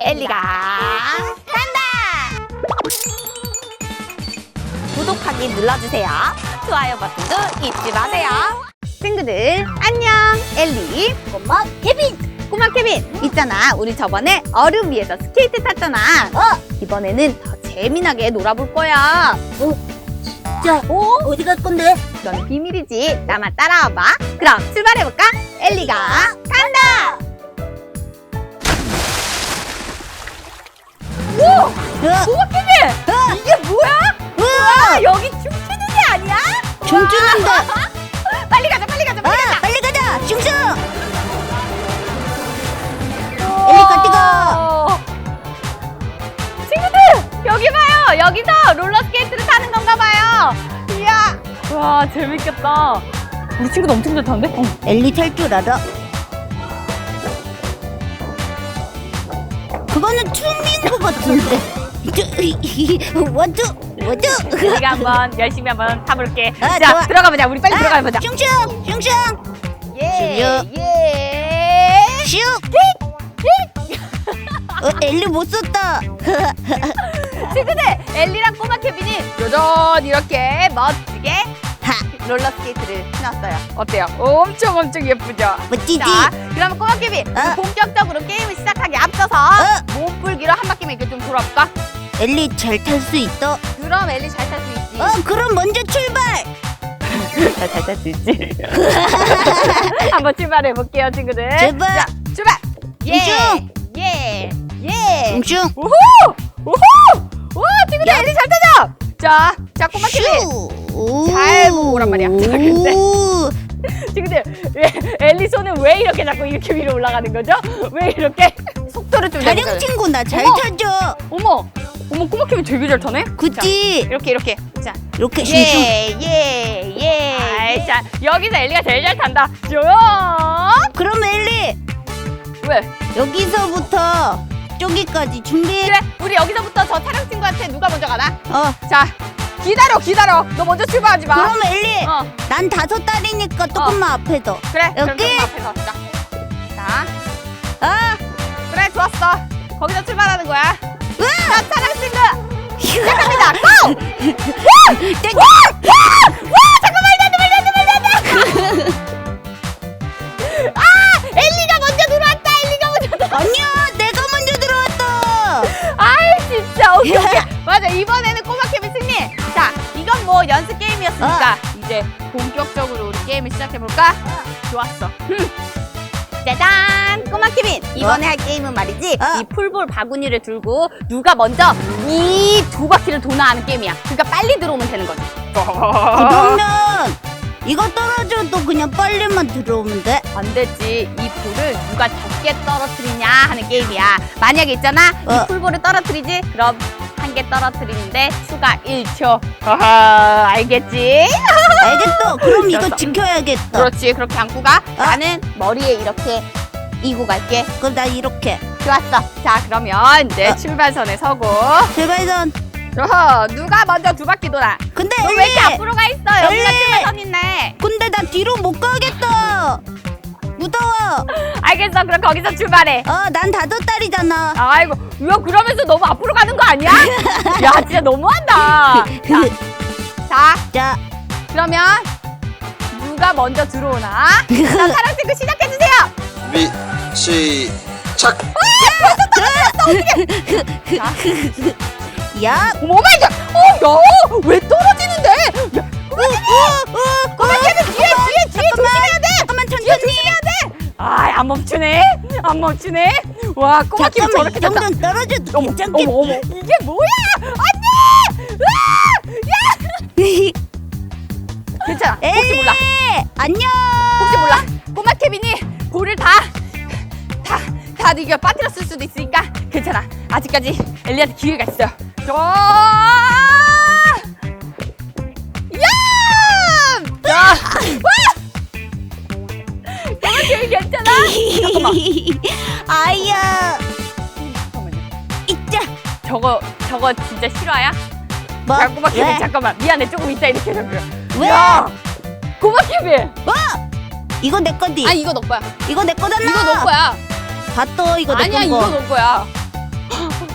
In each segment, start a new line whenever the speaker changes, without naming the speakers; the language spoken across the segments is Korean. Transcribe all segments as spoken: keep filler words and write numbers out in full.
엘리가 간다! 구독하기 눌러주세요. 좋아요 버튼도 잊지 마세요. 친구들 안녕! 엘리, 꼬마 케빈! 꼬마 케빈! 있잖아, 우리 저번에 얼음 위에서 스케이트 탔잖아. 어? 이번에는 더 재미나게 놀아볼 거야.
어? 진짜? 어? 어디 갈 건데?
넌 비밀이지. 나만 따라와봐. 그럼 출발해볼까? 엘리가 간다! 오!
어?
꼬마 케빈!
어?
이게 뭐야? 우와! 여기 춤추는 데 아니야?
춤추는 데!
빨리 가자, 빨리 가자, 빨리 가자!
아, 빨리 가자! 슝슝! 엘리 같이 가!
친구들! 여기 봐요! 여기서 롤러스케이트를 타는 건가 봐요! 이야! 와, 재밌겠다. 우리 친구도 엄청 잘 타는데? 어.
엘리 탈 줄 알아? 그거는 춤인 것 같은데. 원투! 원투!
우리가 한번 열심히 한번 타볼게.
아,
자,
좋아.
들어가보자. 우리 빨리 들어가보자.
슝슝! 슝슝!
예!
슝슝.
예!
슝! 어, 엘리 못 썼다.
친구들! 엘리랑 꼬마 케빈이 여전히 이렇게 멋지게
하!
롤러스케이트를 신었어요. 어때요? 엄청 엄청 예쁘죠?
멋지지?
자, 그럼 꼬마 케빈
어?
본격적으로 게임을 시작하기 앞서서
어?
몸풀기로 한 바퀴만 이렇게 좀 돌아볼까?
엘리 잘 탈 수 있어?
그럼 엘리 잘 탈 수 있지.
어, 그럼 먼저 출발!
잘 탈 수 있지. 한번 출발해 볼게요, 친구들.
제발.
자, 출발. 예,
슝슝.
예, 예.
슝슝!
우후, 우후. 와, 친구들 엘리 잘 타죠? 자, 자, 꼬마 케빈. 잘 보고 오란 말이야. 자, 근데 친구들 왜, 엘리 손은 왜 이렇게 자꾸 이렇게 위로 올라가는 거죠? 왜 이렇게 속도를 좀
촬영
내보자.
친구나 잘
어머.
타죠?
어머, 어머 꼬마 케빈 되게 잘 타네.
그치?
이렇게 이렇게. 자,
이렇게 슝슝.
예, 예, 예. 아이, 자, 여기서 엘리가 제일 잘 탄다. 쭉.
그럼 엘리
왜?
여기서부터 저기까지 준비.
그래, 우리 여기서부터 저 촬영 친구한테 누가 먼저 가나?
어.
자, 기다려, 기다려. 너 먼저 출발하지 마.
그럼 엘리
어,
난 다섯 달이니까 조금만 앞에서.
그래. 그럼
여기?
조금 앞에서. 자, 자,
아.
그래, 좋았어. 거기서 출발하는 거야.
으아!
자, 촬영 친구. 시작합니다. 고!
땡.
와! 와! 와! 잠깐만, 말도 안 돼, 말도 안 돼, 말도 안 돼. 아! 엘리가 먼저 들어왔다. 엘리가 먼저 들어왔다.
아니야, 내가 먼저 들어왔다.
아이, 진짜. 오케이, 오케이. 맞아, 이번에는 꼬마 케빈 승리. 자, 이건 뭐 연습 게임이었으니까 이제 본격적으로 우리 게임을 시작해볼까? 좋았어. 짜잔! 꼬마 케빈! 이번에
어?
할 게임은 말이지,
어?
이 풀볼 바구니를 들고 누가 먼저 이 두 바퀴를 도나 하는 게임이야. 그러니까 빨리 들어오면 되는 거지.
그러면 이거 떨어져도 그냥 빨리만 들어오면 돼?
안 되지. 이 볼을 누가 적게 떨어뜨리냐 하는 게임이야. 만약에 있잖아,
어.
이 풀볼을 떨어뜨리지? 그럼 한 개 떨어뜨리는데 추가 일 초. 허허, 알겠지?
알겠어. 그럼 이거
알았어.
지켜야겠다.
그렇지, 그렇게 안고 가.
어?
나는 머리에 이렇게 이고 갈게.
그럼 나 이렇게.
좋았어. 자, 그러면 이제
어.
출발선에 서고.
출발선.
어허, 누가 먼저 두 바퀴 돌아?
근데
너 왜
엘리.
이렇게 앞으로 가 있어? 여기가
엘리.
출발선 있네.
근데 나 뒤로 못 가겠다. 무서워.
알겠어, 그럼 거기서 출발해.
어, 난 다섯 달이잖아.
아이고, 이거 그러면서 너무 앞으로 가는 거 아니야? 야, 진짜 너무한다. 자, 자,
자,
그러면 누가 먼저 들어오나? 자, 사랑 친구 시작해주세요.
준비 시작.
자,
야,
어머, 마이 갓. 어, 야, 왜 떨어지는데? 야,
어, 어, 어,
꼬마 케빈 뒤에, 뒤에, 뒤에 조심해야 돼.
잠깐만
뒤에
천천히.
조심해야 돼. 아, 안 멈추네. 안 멈추네. 와, 꼬마 케빈
잠깐만
저렇게
이
됐다.
정도는 떨어져도
어머,
괜찮겠.
어머, 어머, 이게 뭐야? 안돼! 야! 괜찮아. 혹시 몰라.
안녕.
혹시 몰라. 꼬마 케빈이 볼을 다, 다, 다 이겨 빠뜨렸을 수도 있으니까 괜찮아. 아직까지 엘리한테 기회가 있어요. 저, 야! 자, 와! 꼬마 케빈 괜찮아? 잠깐만.
아야.
잠깐만요.
있자.
저거, 저거 진짜 실화야?
뭐?
자, 꼬마 케빈
왜?
잠깐만. 미안해. 조금 이따 이렇게 해줘.
왜?
야! 꼬마 케빈!
뭐? 이거 내 거지.
아, 이거 너 거야.
이거 내 거잖아.
이거 너 거야.
봤어, 이거 내
아니야,
거.
이거 너 거야.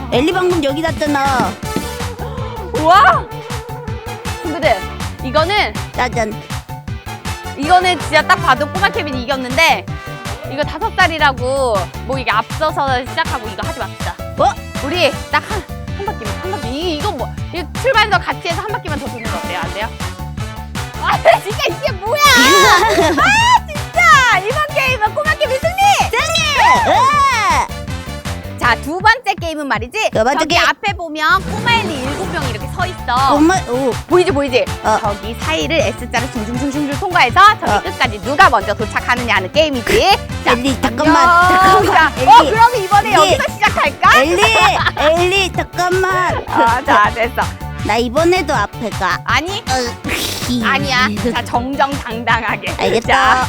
엘리 방금 여기 놨잖아.
우와! 친구들, 이거는,
짜잔.
이거는 진짜 딱 봐도 꼬마 케빈이 이겼는데, 이거 다섯 살이라고, 뭐 이게 앞서서 시작하고 이거 하지 맙시다.
뭐?
우리 딱 한, 한 바퀴만, 한 바퀴. 이, 이거 뭐, 이거 출발해서 같이 해서 한 바퀴만 더 도는 거 어때요? 안 돼요? 아, 진짜 이게 뭐야! 아, 진짜! 이번 게임은 꼬마 케빈 승리!
승리! 으아!
자, 두 번째 게임은 말이지.
두 번째
저기
게임.
앞에 보면 꼬마 엘리 일곱 명이 이렇게 서 있어.
정말, 오.
보이지, 보이지?
어.
저기 사이를 S자로 슝슝슝슝 통과해서 저기
어.
끝까지 누가 먼저 도착하느냐 하는 게임이지. 자,
엘리, 잠깐만,
안녕.
잠깐만.
자, 어,
엘리.
그럼 이번에
엘리.
여기서 시작할까?
엘리! 엘리, 잠깐만.
아, 자, 됐어.
나 이번에도 앞에 가.
아니,
어,
아니야. 자, 정정당당하게.
알겠다.
자,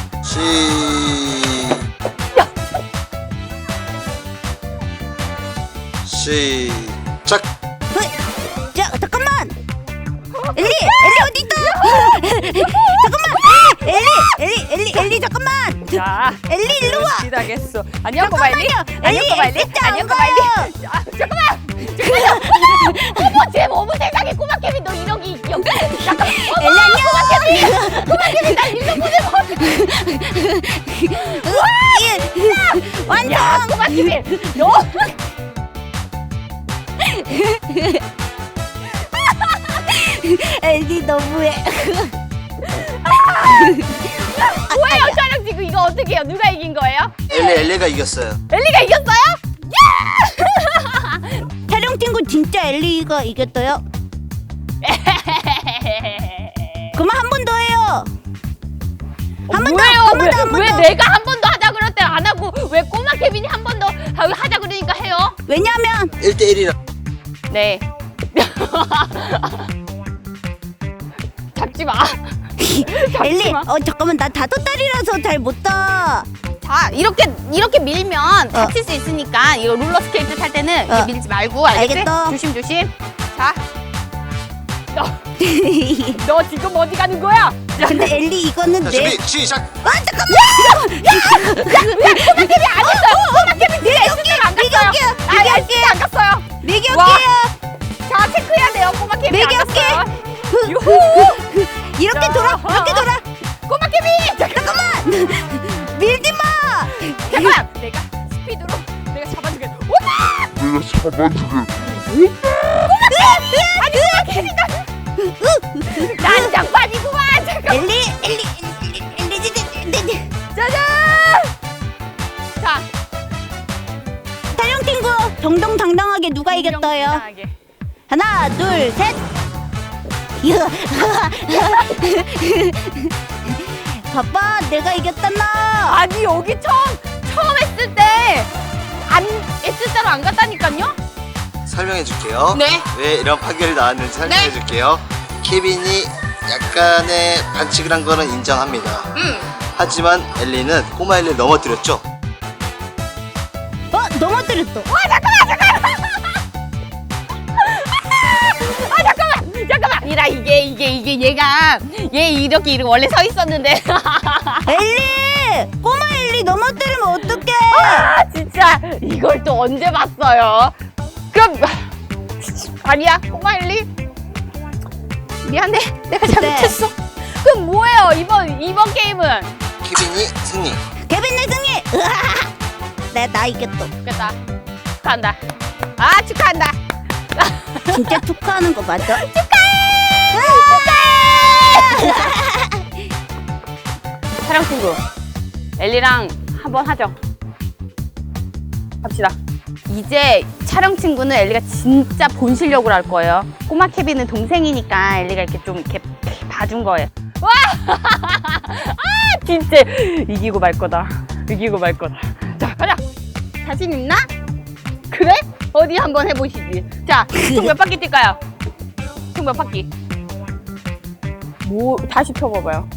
시 시작.
어, 자, 잠깐만. 엘리, 엘리 어디 있어? 잠깐만. 엘리, 엘리, 엘리, 엘리 잠깐만.
자.
엘리 일로 와.
시작했어. 안녕, 꼬마 엘리.
잠깐만요.
안녕,
엘리,
꼬마 엘리.
S자 안
안녕, 꼬마 엘리.
가요.
자, 잠깐만. 잠깐만. 어머, 쟤 어머 세상에 꼬마 케빈 너 이러기 있겨. 잠깐.
엘리 안녕.
꼬마 케빈. 꼬마 케빈 날 일로 보내고.
예. 완성.
야, 꼬마 케빈. 너.
엘리 너무해.
뭐예요, 촬영 지금 이거 어떻게 해요? 누가 이긴 거예요?
엘리 엘리가 이겼어요.
엘리가 이겼어요?
촬영 친구 진짜 엘리가 이겼어요. 그만 한 번 더 해요. 한 번 더,
왜요?
한 번
왜,
더, 한 번
왜
더.
내가 한 번 더 하자 그럴 때 안 하고 왜 꼬마 케빈이 한 번 더 하자 그러니까 해요?
왜냐면
일 대 일이라.
네. 잡지 마.
엘리,
마.
어 잠깐만 나 다섯 달이라서 잘 못 타.
자, 이렇게 이렇게 밀면
어.
다칠 수 있으니까 이거 롤러 스케이트 탈 때는
어.
이렇게 밀지 말고 알겠지?
알겠어.
조심 조심. 자, 너, 너 지금 어디 가는 거야?
근데 엘리 이거는
자,
내.
준비 시작.
아 잠깐만.
꼬마 케빈 안 했어요. 꼬마 케빈 진짜 S대로 안 갔어요.
매겨올게요.
아, S대 안 갔어요.
매겨올게요.
자, 체크해야 돼요. 꼬마 케빈 안
매겨올게.
갔어요. 유후.
이렇게
자,
돌아,
어,
이렇게
어.
돌아.
꼬마 케빈.
잠깐만. 밀지 마.
잠깐만. 내가 스피드로 내가 잡아주게. 오빠.
내가 잡아주게.
아니 꼬마 케빈 난장판이구만. 잠깐.
엘리, 엘리, 엘리, 엘리, 엘리, 엘리.
짜잔. 자,
촬영 친구 정정당당하게 누가 이겼어요?
정정당당하게.
하나, 둘, 셋. 봐봐, 내가 이겼잖아.
아니 여기 처음 처음 했을 때 안 S자로 안 갔다니까요?
설명해 줄게요.
네.
왜 이런 판결이 나왔는지 설명해
네.
줄게요. 케빈이 약간의 반칙을 한 거는 인정합니다.
응.
하지만 엘리는 꼬마 엘리를 넘어뜨렸죠.
어, 넘어뜨렸어.
와 잠깐만 잠깐만. 아 잠깐만 잠깐만. 아니라 이게 이게 이게 얘가 얘 이렇게 이렇게 원래 서 있었는데.
엘리, 꼬마 엘리 넘어뜨리면 어떡해?
아 진짜 이걸 또 언제 봤어요? 그럼 아니야 꼬마 엘리 미안해 내가 잘못했어. 그럼 뭐예요 이번 이번 게임은?
케빈이 승리.
케빈 내 승리. 으아! 나, 나 이겼어.
좋겠다. 축하한다. 아 축하한다.
진짜 축하하는 거 맞아?
촬영 친구 엘리랑 한번 하죠. 합시다. 이제 촬영 친구는 엘리가 진짜 본 실력으로 할 거예요. 꼬마 케빈은 동생이니까 엘리가 이렇게 좀 이렇게 봐준 거예요. 와! 아 진짜 이기고 말 거다. 이기고 말 거다. 자 가자. 자신 있나? 그래? 어디 한번 해보시지. 자, 총 몇 바퀴 뛸까요? 총 몇 바퀴? 뭐 다시 펴봐봐요.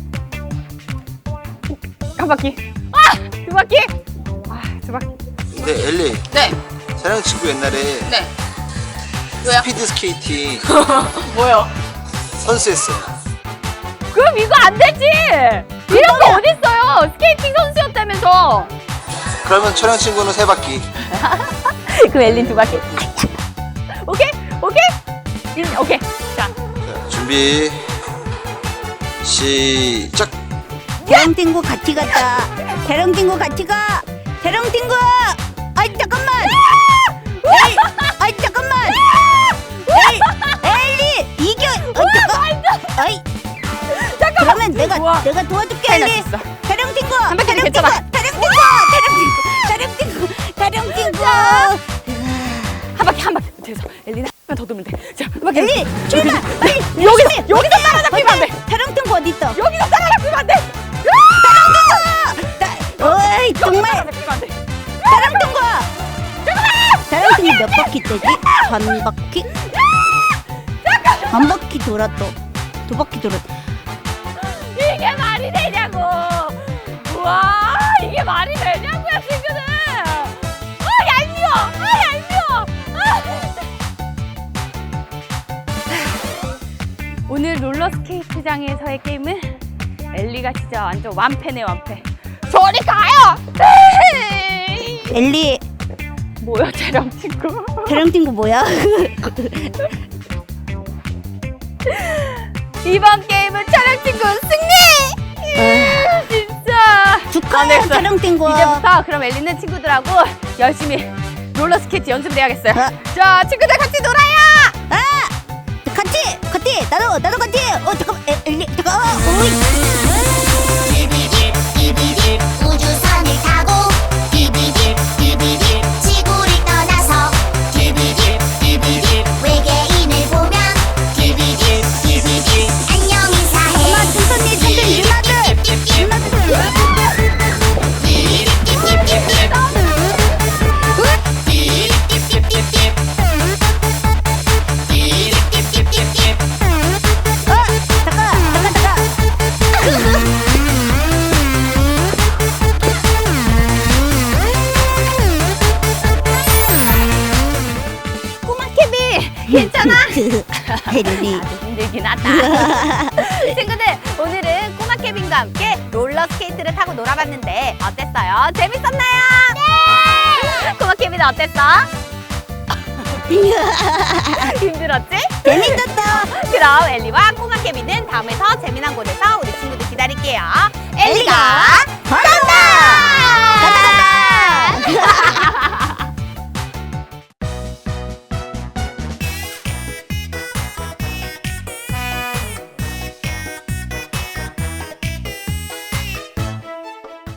한 바퀴. 아! 두 바퀴. 아, 두 바퀴.
근데 엘리,
네.
사랑 친구 옛날에
네. 왜요?
스피드 스케이팅
뭐요?
선수였어요.
그럼 이거 안 되지. 이런 거 어딨어요? 스케이팅 선수였다면서.
그러면 촬영 친구는 세 바퀴.
그럼 엘린 두 바퀴. 오케이 오케이 일, 오케이 자
자, 준비 시작.
대령 친구 같이 갔다. 대령 친구 같이 가. 대령 친구. 아이 잠깐만. 에이, 아이 잠깐만. 에이, 엘리 이겨. 어, 잠깐. 아이. 그러면 내가
우와.
내가 도와줄게
잘
엘리.
났어.
대령 친구.
한 바퀴는
대령
괜찮아.
친구. 대령 친구. 대령 친구. 대령 친구.
한 바퀴 한 바퀴 돼서 엘리는 한번 더 돌면 돼자 한 바퀴
엘리 출발. 빨리.
여기서 여기서 따라잡히면 안돼
대령 친구 어디 있어?
여기서 따라잡히면 안돼
어이 정말.
따라잡히면 안돼
대령 친구. 대령 친구 몇 바퀴 되지? 한 바퀴? 한 바퀴 돌았어. 두 바퀴 돌았어.
이게 말이 되냐고 우와 이게 말이 되냐고요 친구들 아 얄미워 아 얄미워 아. 오늘 롤러스케이트장에서의 게임은 엘리가 진짜 완전 완패네 완패 저리 가요
엘리
뭐야 촬영 친구
대령 친구 뭐야?
이번 게임은 촬영 친구 승리
아.
진짜
축하해
안 됐어.
대령 친구.
이제부터 그럼 엘리는 친구들하고 열심히 롤러스케이트 연습을 해야겠어요.
어?
자, 친구들 같이 놀아요.
아 같이 같이 나도 나도 같이. 어 잠깐 에, 엘리 잠깐. 어, 오이.
비비집 비비집 우주선을 타고 비비집 비비집 지구를 떠나서 비비집 비비집 외계인을 보면 비비집 비비집 안녕 인사해
엄마 천천히 천천히 누나들 누나들. 어 잠깐 잠깐 잠깐.
꼬마 케빈, 괜찮아?
엘리.
힘들긴 하다. 친구들, 오늘은 꼬마 케빈과 함께 롤러스케이트를 타고 놀아봤는데 어땠어요? 재밌었나요? 네! 꼬마 케빈 어땠어? 힘들었지?
재밌었다.
그럼 엘리와 꼬마 케빈은 다음에 더 재미난 곳에서 우리 친구들 기다릴게요. 엘리가
엘리가
간다!